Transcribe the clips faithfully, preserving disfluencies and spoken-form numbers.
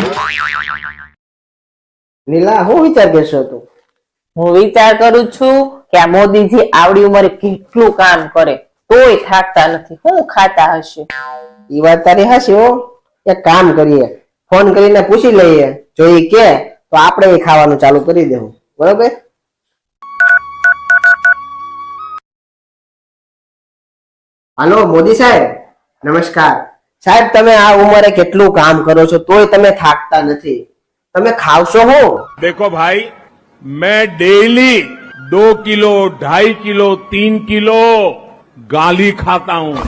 નીલા હું વિચાર કરશો તું? હું વિચાર કરું છું કે આ મોદીજી આવડી ઉંમરે કેટલું કામ કરે તોય થાકતા નથી. શું ખાતા હશે? ઈ વાત તારી હાચી હો. એક કામ કરીએ, ફોન કરીને પૂછી લઈએ, જો ઈ કે તો આપણે એ ખાવાનું ચાલુ કરી દેવું. બરોબર? હાલો મોદી સાહેબ, નમસ્કાર. સાહેબ તમે આ ઉંમરે કેટલું કામ કરો છો તોય તમે થાકતા નથી. તમે ખાવશો હું? देखो भाई, मैं डेली दो किलो ढाई किलो तीन किलो गाली खाता हूँ.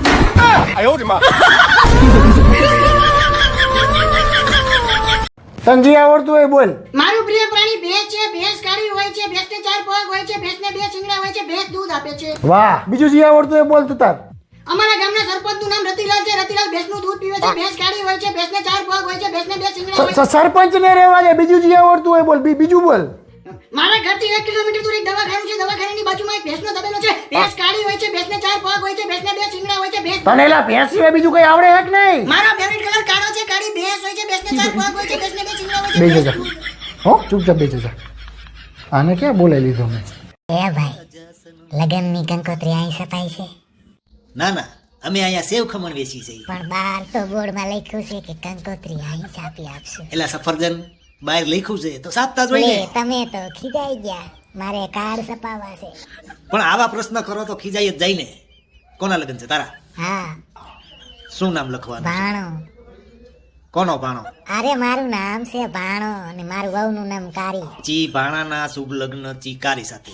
તને જે આવડતું હોય બોલ. મારું પ્રિય પ્રાણી ભેંસ છે. ભેંસ કાળી હોય છે, ભેંસને ચાર પગ હોય છે, ભેંસને બે શિંગડા હોય છે, ભેંસ દૂધ આપે છે. વાહ, બીજું જે આવડતું હોય બોલ તું તાર. અમારા ગામના સરપંચનું નામ રતિલાલ છે. રતિલાલ ભેંસનું દૂધ પીવે છે. ભેંસ કાળી હોય છે, ભેંસને ચાર પગ હોય છે, ભેંસને બે શિંગડા હોય છે. સરપંચ ને રહેવા દે, બીજું જે આવડતું હોય બોલ. બી- બીજું બોલ. મારા ઘરથી એક કિલોમીટર દૂર એક દવાખાનું છે. દવાખાનાની બાજુમાં એક ભેંસનો તબેલો છે. ભેંસ કાળી હોય છે, ભેંસને ચાર પગ હોય છે, ભેંસને બે શિંગડા હોય છે, ભેંસ તને એલા ભેંસ સિવાય બીજું કઈ આવડે હે કે નહીં? મારો ફેવરિટ કલર કાળો છે. કાળી ભેંસ હોય છે, ભેંસને ચાર પગ હોય છે, ભેંસને બે શિંગડા હોય છે, બેસી ભેંસ જા. હો ચૂપચાપ બેસી જા. આને ક્યાં બોલાવી લીધો મેં? એ ભાઈ, લગનની કંકોત્રી અહીં સપાઈ છે, ના ના, અમે અહીંયા સેવ ખમણ વેચી છે. પણ બહાર તો બોર્ડમાં લખ્યું છે કે કંકોત્રી અહીં છાપી આપશું. એટલે સફરજન બહાર લખ્યું છે તો સાપતા જ હોય લે, ને. તમે તો ખીજાઈ ગયા. મારે કાર્ડ છપાવવા છે. પણ આવા પ્રશ્ન કરો તો ખીજાઈ જ જાય ને. કોના લગ્ન છે તારા? હા, શું નામ લખવાનું છે? ભાણો. કોનો ભાણો? અરે મારું નામ છે ભાણો અને મારું વહુનું નામ કારી. ચી ભાણાના શુભ લગ્ન ચીકારી સાથે.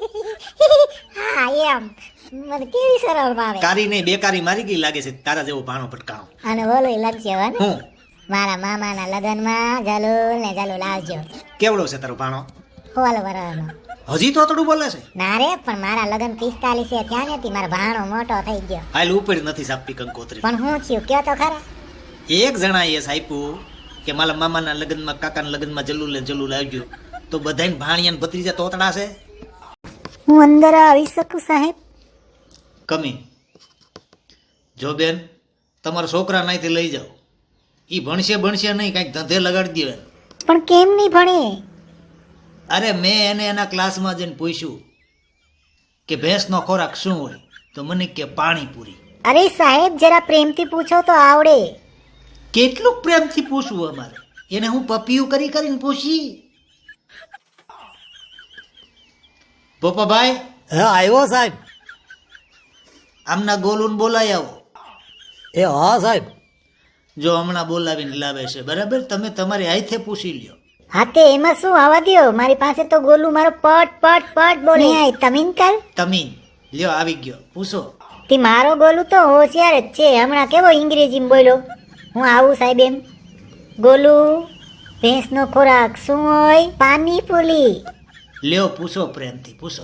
હા એમ, મને કેવી સરળ ભાવે. કારી નહીં, બેકારી મારી ગઈ લાગે છે તારા જેવો ભાણો ભટકાણો. અને બોલો લખજો હો ને. હું મારા મામાના લગનમાં જલુલ ને જલુલ આવજો. કેવડો છે તારો ભાણો? હોલ વરનો. હજી તો થોડું બોલે છે. ના રે, પણ મારા લગન પિસ્તાલીસ છે ત્યાં નથી. મારો ભાણો મોટો થઈ ગયો. હાલ ઉપર નથી સાપતી કંકોત્રી. પણ હું થયું કયો તો ખરા. એક જણાએ સાપ્યું કે મારા મામાના લગ્નમાં કાકાના લગ્નમાં જલ્લુલ ને જલ્લુલ આવજો, તો બધાને ભાણિયા ભત્રીજા તોતડા છે. હું અંદર આવી શકું સાહેબ? કમી જો બેન, તમારા છોકરા નાઈથી લઈ જાઓ. ઈ ભણશે ભણશે નહીં, કાંઈક ધંધે લગાડી દે. પણ કેમ નહીં ભણે? અરે મેં એને એના ક્લાસમાં જઈને પૂછ્યું કે ભેંસનો ખોરાક શું હોય, તો મને કે પાણીપુરી. અરે સાહેબ, જરા પ્રેમથી પૂછો તો આવડે. કેટલું પ્રેમથી પૂછવું અમારે? એને હું પપિયું કરી કરીને પૂછી. પોપાભાઈ, હા આવ્યો સાહેબ. આમના ગોલુન બોલાઈ આવો. એ હા સાહેબ. જો હમણાં બોલાવીને લાવે છે, બરાબર? તમે તમારી હાથે પૂછી લ્યો. હા તે એમાં શું, આવવા દ્યો. મારી પાસે તો ગોલું મારો પટ પટ પટ બોલે. તમીન કર. તમીન લ્યો, આવી ગયો, પૂછો. તે મારો ગોલું તો હોશિયાર જ છે. હમણાં કેવો અંગ્રેજીમાં બોલ્યો. હું આવું સાહેબ એમ. ગોલું, ભેંસનો ખોરાક શું હોય? પાણીપુરી. લ્યો પૂછો, પ્રેમથી પૂછો.